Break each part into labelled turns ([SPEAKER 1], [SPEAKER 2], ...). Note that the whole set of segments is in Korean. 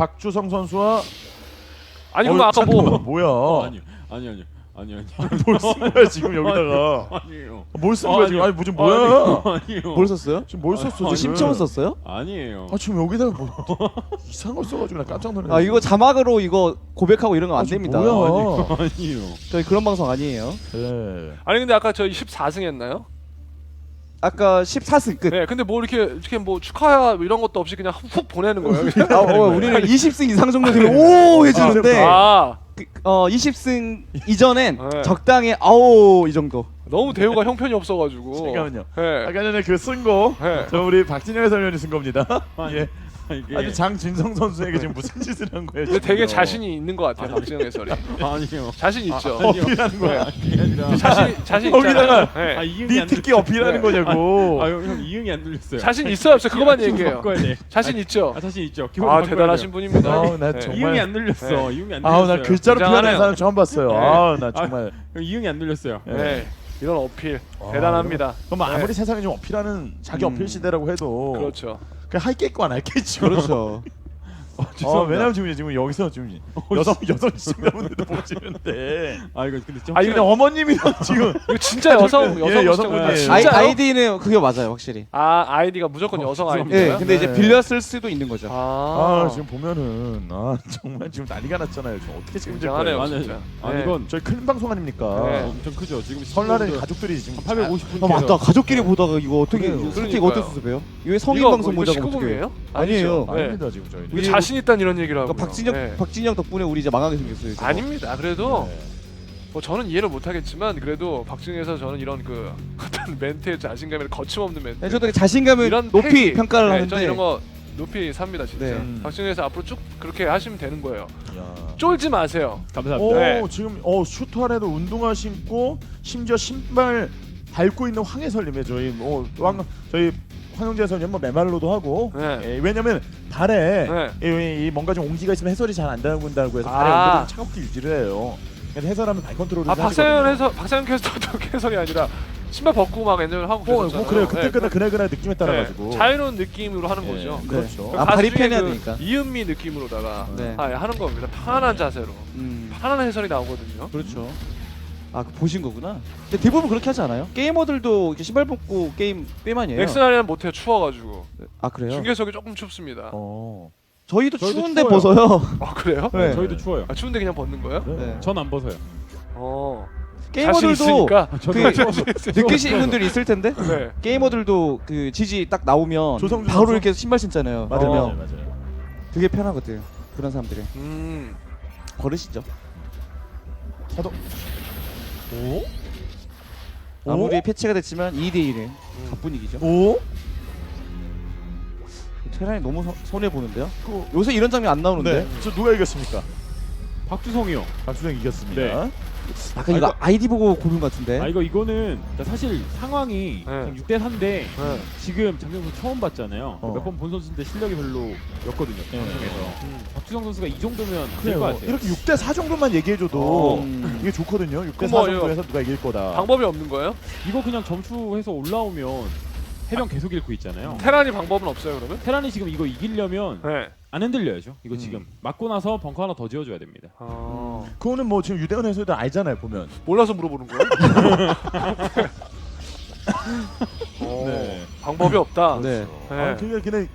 [SPEAKER 1] 박주성 선수와
[SPEAKER 2] 아니 그럼 아까
[SPEAKER 1] 잠깐만, 뭐야?
[SPEAKER 3] 아니요.
[SPEAKER 1] 뭘 쓴 거야 지금 여기다가?
[SPEAKER 3] 아니에요.
[SPEAKER 1] 뭘 쓴 거야 지금? 아니 무슨 뭐야?
[SPEAKER 3] 아니요.
[SPEAKER 4] 뭘 썼어요?
[SPEAKER 1] 지금 뭘 썼어? 지금?
[SPEAKER 4] 심청을 썼어요?
[SPEAKER 3] 아니에요.
[SPEAKER 1] 아 지금 여기다가 뭐 이상한 걸 써가지고 나 깜짝 놀랐네.
[SPEAKER 4] 아 이거 자막으로 이거 고백하고 이런 거 안 됩니다.
[SPEAKER 1] 뭐야?
[SPEAKER 3] 아니요.
[SPEAKER 4] 저희 그런 방송 아니에요.
[SPEAKER 1] 네.
[SPEAKER 2] 아니 근데 아까 저희 14승 했나요?
[SPEAKER 4] 아까 14승 끝.
[SPEAKER 2] 네. 근데 뭐 이렇게 뭐 축하야 이런 것도 없이 그냥 훅 보내는 거예요. 그냥.
[SPEAKER 4] 우리는 20승 이상 정도 되면 오 해주는데
[SPEAKER 2] 아
[SPEAKER 4] 20승 이전엔
[SPEAKER 2] 네.
[SPEAKER 4] 적당히 아오 이 정도.
[SPEAKER 2] 너무 대우가 형편이 없어가지고.
[SPEAKER 1] 잠깐만요.
[SPEAKER 2] 네.
[SPEAKER 1] 아까 전에 그 쓴 거,
[SPEAKER 2] 네.
[SPEAKER 1] 저 우리 박진영 해설위원이 쓴 겁니다.
[SPEAKER 3] 아니,
[SPEAKER 1] 예.
[SPEAKER 3] 이게
[SPEAKER 1] 아니 장진성 선수에게 지금 무슨 짓을 한 거예요?
[SPEAKER 2] 근데 되게
[SPEAKER 1] 지금요?
[SPEAKER 2] 자신이 있는 것 같아요, 박진영 해설이.
[SPEAKER 3] 아니요.
[SPEAKER 2] 자신 있죠.
[SPEAKER 1] 어필하는 거야.
[SPEAKER 3] 그게 아니라
[SPEAKER 2] 자신
[SPEAKER 1] 거기다가
[SPEAKER 2] 있잖아요. 네.
[SPEAKER 3] 이응이
[SPEAKER 1] 네
[SPEAKER 3] 안
[SPEAKER 1] 특기
[SPEAKER 3] 눌렸어요.
[SPEAKER 1] 어필하는 거냐고.
[SPEAKER 3] 형 이응이 안 눌렸어요.
[SPEAKER 2] 자신 있어요, 없어요? 그거만
[SPEAKER 3] 기분
[SPEAKER 2] 얘기해요.
[SPEAKER 3] 바꿔야 돼.
[SPEAKER 2] 자신 있죠.
[SPEAKER 3] 자신 있죠. 기분
[SPEAKER 2] 아
[SPEAKER 3] 바꿔야
[SPEAKER 2] 대단하신
[SPEAKER 3] 돼요.
[SPEAKER 2] 분입니다.
[SPEAKER 1] 아우, 나
[SPEAKER 2] 네.
[SPEAKER 1] 정말-
[SPEAKER 3] 이응이 안 눌렸어.
[SPEAKER 2] 네.
[SPEAKER 3] 이응이 안 눌렸어요.
[SPEAKER 1] 아우 나 글자로 표현하는
[SPEAKER 2] 굉장하네요.
[SPEAKER 1] 사람 처음 봤어요.
[SPEAKER 2] 네.
[SPEAKER 1] 아우 나 정말.
[SPEAKER 3] 형 이응이 안 눌렸어요.
[SPEAKER 2] 네. 이런 어필
[SPEAKER 1] 아,
[SPEAKER 2] 대단합니다.
[SPEAKER 1] 그럼 아무리
[SPEAKER 2] 네.
[SPEAKER 1] 세상에 좀 어필하는 자기 어필 시대라고 해도
[SPEAKER 2] 그렇죠.
[SPEAKER 1] 그냥 할 게 있고 안 할 게 있죠.
[SPEAKER 4] 그렇죠.
[SPEAKER 1] 왜냐면 지금 여기서 지금 여성 시청자분들도 보시는데
[SPEAKER 3] 이거 근데 좀
[SPEAKER 1] 아니 그냥 어머님이랑 지금
[SPEAKER 2] 이거 진짜 여성
[SPEAKER 1] 예,
[SPEAKER 2] 여성
[SPEAKER 1] 여성분이에요.
[SPEAKER 2] 시청자. 진짜요?
[SPEAKER 4] 아이디는 그게 맞아요 확실히.
[SPEAKER 2] 아 아이디가 무조건 여성 아이디예요?
[SPEAKER 4] 네, 근데 이제
[SPEAKER 1] 네.
[SPEAKER 4] 빌렸을 수도 있는 거죠.
[SPEAKER 1] 아 지금 보면은 정말 지금 난리가 났잖아요. 지금 어떻게 책임질
[SPEAKER 2] 굉장하네요,
[SPEAKER 1] 거예요?
[SPEAKER 2] 진짜.
[SPEAKER 3] 아니
[SPEAKER 2] 네.
[SPEAKER 3] 이건
[SPEAKER 1] 저희 큰 방송 아닙니까?
[SPEAKER 2] 네.
[SPEAKER 3] 엄청 크죠. 지금
[SPEAKER 1] 설날에
[SPEAKER 3] 시청자분들
[SPEAKER 1] 가족들이 지금
[SPEAKER 3] 850분.
[SPEAKER 4] 아 맞다 가족끼리 보다가 이거 어떻게
[SPEAKER 1] 그래요.
[SPEAKER 4] 스틱
[SPEAKER 2] 그러니까요.
[SPEAKER 4] 어떻게 수습해요? 이거 성인
[SPEAKER 2] 이거
[SPEAKER 4] 방송
[SPEAKER 2] 뭐
[SPEAKER 4] 보자고 어떻게 해요?
[SPEAKER 2] 19금이에요?
[SPEAKER 4] 아니에요.
[SPEAKER 2] 네.
[SPEAKER 1] 아닙니다 지금 저희는.
[SPEAKER 2] 이거 자신 있다는 이런 얘기를 하고.
[SPEAKER 4] 그러니까 박진영 덕분에 우리 이제 망하게 생겼어요. 이제.
[SPEAKER 2] 아닙니다. 그래도
[SPEAKER 1] 네.
[SPEAKER 2] 뭐 저는 이해를 못하겠지만 그래도 박진영에서 저는 이런 그 어떤 멘트의 자신감이 거침없는 멘트.
[SPEAKER 4] 네, 저도 되게 자신감을
[SPEAKER 2] 이런
[SPEAKER 4] 높이
[SPEAKER 2] 패기.
[SPEAKER 4] 평가를
[SPEAKER 2] 네,
[SPEAKER 4] 하는데
[SPEAKER 2] 저는 이런 거 높이 삽니다 진짜.
[SPEAKER 4] 네.
[SPEAKER 2] 박진영에서 앞으로 쭉 그렇게 하시면 되는 거예요.
[SPEAKER 1] 야.
[SPEAKER 2] 쫄지 마세요.
[SPEAKER 3] 감사합니다.
[SPEAKER 1] 오
[SPEAKER 2] 네.
[SPEAKER 1] 지금 슈터 안에도 운동화 신고 심지어 신발 밟고 있는 황해설님의 저희 황영재 해설님 뭐 메말로도 하고
[SPEAKER 2] 네.
[SPEAKER 1] 예, 왜냐면 발에
[SPEAKER 2] 네.
[SPEAKER 1] 이 뭔가 좀 온기가 있으면 해설이 잘 안 나온다고 해서
[SPEAKER 2] 아.
[SPEAKER 1] 발에 온도를 차갑게 유지를 해요. 그래서 해설하면 발 컨트롤을
[SPEAKER 2] 아 박상현 캐스터도 해설이 아니라 신발 벗고 막 엔젤 하고 그랬잖아요.
[SPEAKER 1] 뭐 그래요. 그때 그날 느낌에 따라 가지고
[SPEAKER 2] 자유로운 느낌으로 하는
[SPEAKER 1] 예,
[SPEAKER 2] 거죠.
[SPEAKER 1] 그렇죠.
[SPEAKER 4] 아, 발이
[SPEAKER 2] 가수 중에
[SPEAKER 4] 편해야
[SPEAKER 2] 그
[SPEAKER 4] 되니까.
[SPEAKER 2] 이은미 느낌으로다가
[SPEAKER 4] 네.
[SPEAKER 2] 하는 겁니다. 편안한 자세로
[SPEAKER 4] 음,
[SPEAKER 2] 편안한 해설이 나오거든요.
[SPEAKER 4] 그렇죠. 아 보신 거구나. 근데 대부분 그렇게 하지 않아요? 게이머들도 이렇게 신발 벗고 게임 아니에요?
[SPEAKER 2] 넥슨아리는 못해요. 추워가지고
[SPEAKER 4] 아 그래요?
[SPEAKER 2] 중계석이 조금 춥습니다.
[SPEAKER 4] 저희도
[SPEAKER 3] 저희도
[SPEAKER 4] 추운데
[SPEAKER 3] 추워요.
[SPEAKER 4] 벗어요.
[SPEAKER 2] 그래요?
[SPEAKER 4] 네.
[SPEAKER 3] 저희도 추워요.
[SPEAKER 2] 아 추운데 그냥 벗는 거예요?
[SPEAKER 4] 네.
[SPEAKER 3] 전 안 벗어요.
[SPEAKER 2] 자신
[SPEAKER 4] 게이머들도
[SPEAKER 2] 있으니까.
[SPEAKER 4] 느끼시는 분들이 있을 텐데.
[SPEAKER 2] 네.
[SPEAKER 4] 게이머들도 그 지지 딱 나오면
[SPEAKER 1] 조성주
[SPEAKER 4] 바로
[SPEAKER 1] 선수?
[SPEAKER 4] 이렇게 신발 신잖아요.
[SPEAKER 1] 맞아요.
[SPEAKER 4] 되게 편하거든. 그런 사람들이 버릇이죠.
[SPEAKER 1] 사도 오?
[SPEAKER 4] 아무리 패치가 됐지만 2대 1의 가뿐이기죠.
[SPEAKER 1] 오?
[SPEAKER 4] 테란이 너무 손해 보는데요. 요새 이런 장면 안 나오는데.
[SPEAKER 1] 네. 저 누가 이겼습니까?
[SPEAKER 3] 박주성이요.
[SPEAKER 1] 박수정 이겼습니다.
[SPEAKER 3] 네.
[SPEAKER 4] 약간 이거 아이디 보고 고른 것 같은데.
[SPEAKER 3] 이거는 사실 상황이
[SPEAKER 2] 네.
[SPEAKER 3] 6대 4인데
[SPEAKER 2] 네.
[SPEAKER 3] 지금 장명수 처음 봤잖아요.
[SPEAKER 1] 어.
[SPEAKER 3] 몇 번 본 선수인데 실력이 별로였거든요.
[SPEAKER 1] 네.
[SPEAKER 3] 방송에서. 박주성 선수가 이 정도면 될 것
[SPEAKER 1] 그래요.
[SPEAKER 3] 같아요.
[SPEAKER 1] 이렇게 6대 4 정도만 얘기해줘도
[SPEAKER 4] 음.
[SPEAKER 1] 이게 좋거든요. 6대 4
[SPEAKER 2] 뭐,
[SPEAKER 1] 정도에서 누가 이길 거다.
[SPEAKER 2] 방법이 없는 거예요?
[SPEAKER 3] 이거 그냥 점수해서 올라오면 해병 계속 잃고 있잖아요.
[SPEAKER 2] 테란이 방법은 없어요 그러면?
[SPEAKER 3] 테란이 지금 이거 이기려면
[SPEAKER 2] 네.
[SPEAKER 3] 안 흔들려야죠. 이거 지금 맞고 나서 벙커 하나 더 지어줘야 됩니다.
[SPEAKER 1] 그거는 뭐 지금 유대현 해설도 알잖아요. 보면.
[SPEAKER 2] 몰라서 물어보는 거예요?
[SPEAKER 1] 네.
[SPEAKER 2] 방법이 없다.
[SPEAKER 4] 네.
[SPEAKER 2] 네.
[SPEAKER 1] 아, 그냥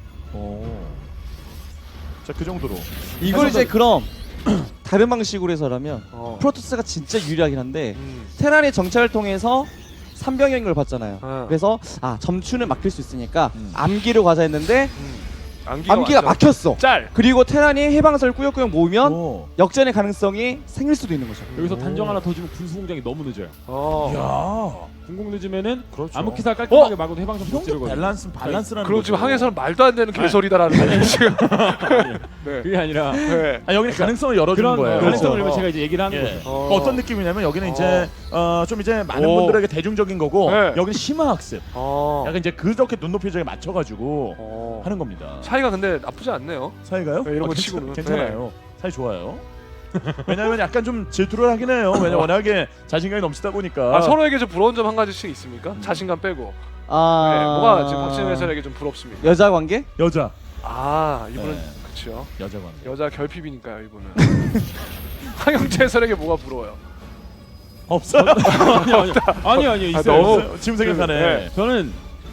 [SPEAKER 1] 자, 그 정도로.
[SPEAKER 4] 이걸 이제 그럼 다른 방식으로 해서라면
[SPEAKER 2] 어.
[SPEAKER 4] 프로토스가 진짜 유리하긴 한데
[SPEAKER 2] 음.
[SPEAKER 4] 테란의 정찰을 통해서 3병인 걸 봤잖아요.
[SPEAKER 2] 어.
[SPEAKER 4] 그래서 점추는 막힐 수 있으니까
[SPEAKER 1] 음.
[SPEAKER 4] 암기로 가자 했는데 암기가
[SPEAKER 2] 완전
[SPEAKER 4] 막혔어.
[SPEAKER 2] 짤.
[SPEAKER 4] 그리고 테란이 해방선을 꾸역꾸역 모으면
[SPEAKER 1] 오.
[SPEAKER 4] 역전의 가능성이 생길 수도 있는 거죠.
[SPEAKER 3] 여기서
[SPEAKER 1] 오.
[SPEAKER 3] 단정 하나 더 주면 군수공장이 너무 늦어요.
[SPEAKER 2] 어.
[SPEAKER 1] 야.
[SPEAKER 3] 공공 늦으면은
[SPEAKER 1] 그렇죠.
[SPEAKER 3] 아무 기사 깔끔하게 막아도 해방선
[SPEAKER 1] 이
[SPEAKER 3] 못
[SPEAKER 1] 정도
[SPEAKER 3] 지르거든요.
[SPEAKER 1] 밸런스라는
[SPEAKER 2] 그리고
[SPEAKER 1] 거죠.
[SPEAKER 2] 지금 항해서는 말도 안 되는 개소리다라는 거예요 지금. 네.
[SPEAKER 3] 그게 아니라
[SPEAKER 2] 네.
[SPEAKER 1] 아, 여기는 가능성을 열어주는
[SPEAKER 3] 그런
[SPEAKER 1] 거예요.
[SPEAKER 3] 가능성을
[SPEAKER 2] 그렇죠.
[SPEAKER 3] 열면 제가 이제 얘기를 하는
[SPEAKER 1] 예.
[SPEAKER 3] 거죠.
[SPEAKER 1] 어떤 느낌이냐면 여기는 이제 좀 이제 많은
[SPEAKER 2] 오.
[SPEAKER 1] 분들에게 대중적인 거고
[SPEAKER 2] 네.
[SPEAKER 1] 여기는 심화 학습.
[SPEAKER 2] 어.
[SPEAKER 1] 약간 이제 그렇게 눈높이에 맞춰가지고
[SPEAKER 2] 어.
[SPEAKER 1] 하는 겁니다.
[SPEAKER 2] 차이가 근데 나쁘지 않네요.
[SPEAKER 1] 사이가요?
[SPEAKER 2] 네, 이런 거
[SPEAKER 1] 괜찮-
[SPEAKER 2] 치고는.
[SPEAKER 1] 괜찮아요. 사이 좋아요. 왜냐하면 약간 좀 질투를 하긴 해요. 왜냐 워낙에 자신감이 넘치다 보니까.
[SPEAKER 2] 아, 서로에게 좀 부러운 점 한 가지씩 있습니까? 자신감 빼고. 네, 뭐가 지금 박진영 해설에게 좀 부럽습니까?
[SPEAKER 4] 여자 관계?
[SPEAKER 1] 여자.
[SPEAKER 2] 아 이분은
[SPEAKER 1] 네.
[SPEAKER 2] 그렇죠.
[SPEAKER 1] 여자관.
[SPEAKER 2] 여자 결핍이니까요 이분은. 황영재 해설에게 뭐가 부러워요?
[SPEAKER 1] 없어?
[SPEAKER 3] 아니요
[SPEAKER 2] 아,
[SPEAKER 3] 있어요.
[SPEAKER 2] 너무-
[SPEAKER 3] 있어요.
[SPEAKER 1] 지금 생각하네.
[SPEAKER 2] 네.
[SPEAKER 3] 저는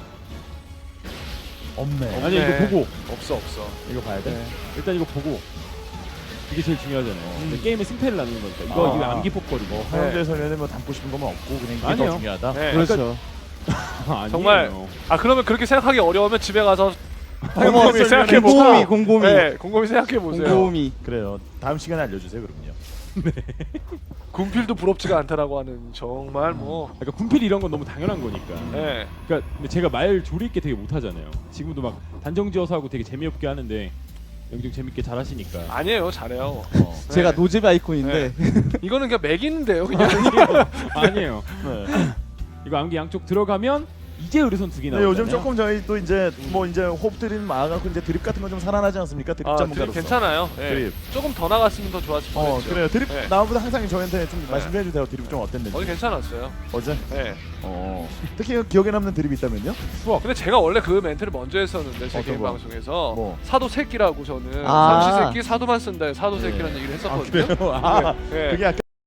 [SPEAKER 1] 없네.
[SPEAKER 3] 아니 이거 보고
[SPEAKER 2] 없어.
[SPEAKER 1] 이거 봐야 돼.
[SPEAKER 3] 일단 이거 보고 이게 제일 중요하잖아요. 근데 게임의 승패를 나누는 거니까 이거
[SPEAKER 1] 아.
[SPEAKER 3] 암기 뽑거리고.
[SPEAKER 1] 황영재 해설위원은 뭐 담고 싶은 거면 없고 그냥 이게
[SPEAKER 3] 아니요.
[SPEAKER 1] 더 중요하다.
[SPEAKER 2] 네.
[SPEAKER 4] 그렇죠.
[SPEAKER 3] 아니에요.
[SPEAKER 2] 정말 아 그러면 그렇게 생각하기 어려우면 집에 가서
[SPEAKER 4] 어머,
[SPEAKER 2] 곰곰이 생각해 보고.
[SPEAKER 4] 곰곰이 곰곰이
[SPEAKER 2] 네, 곰곰이 생각해 보세요.
[SPEAKER 4] 곰곰이.
[SPEAKER 1] 그래요. 다음 시간에 알려주세요 그럼요.
[SPEAKER 2] 군필도 부럽지가 않다라고 하는 정말 뭐.
[SPEAKER 3] 그러니까 군필 이런 건 너무 당연한 거니까.
[SPEAKER 2] 네.
[SPEAKER 3] 그러니까 근데 제가 말 조리 있게 되게 못하잖아요. 지금도 막 단정지어서 하고 되게 재미없게 하는데 영종 재밌게 잘하시니까.
[SPEAKER 2] 아니에요, 잘해요.
[SPEAKER 4] 제가
[SPEAKER 2] 네.
[SPEAKER 4] 노잼 아이콘인데
[SPEAKER 2] 이거는 그냥 매기는데요, 그냥.
[SPEAKER 3] 아니에요.
[SPEAKER 1] 네.
[SPEAKER 3] 이거 암기 양쪽 들어가면 이제 의료선 두 개
[SPEAKER 1] 네,
[SPEAKER 3] 나오잖아요.
[SPEAKER 1] 요즘 조금 저희 또 이제 뭐 이제 호흡 드림 많아갖고 이제 드립 같은 건 좀 살아나지 않습니까? 드립
[SPEAKER 2] 아, 드립
[SPEAKER 1] 전문가로서.
[SPEAKER 2] 괜찮아요. 네.
[SPEAKER 1] 드립.
[SPEAKER 2] 조금 더 나갔으면 더 좋았을 뻔했죠.
[SPEAKER 1] 그래요. 드립
[SPEAKER 2] 네.
[SPEAKER 1] 나오보다 항상 저희한테 좀
[SPEAKER 2] 네.
[SPEAKER 1] 말씀 좀 해주세요. 드립 좀 어땠는지.
[SPEAKER 2] 어제 괜찮았어요.
[SPEAKER 1] 어제?
[SPEAKER 2] 네.
[SPEAKER 1] 특히 기억에 남는 드립이 있다면요?
[SPEAKER 2] 근데 제가 원래 그 멘트를 먼저 했었는데 제
[SPEAKER 1] 어떤
[SPEAKER 2] 개인
[SPEAKER 1] 거?
[SPEAKER 2] 방송에서
[SPEAKER 1] 뭐?
[SPEAKER 2] 사도 새끼라고 저는
[SPEAKER 4] 아.
[SPEAKER 2] 삼시 새끼 사도만 쓴다 사도새끼라는 얘기를 했었거든요.
[SPEAKER 1] 그래요? 아,
[SPEAKER 2] 네.
[SPEAKER 1] 그게 약간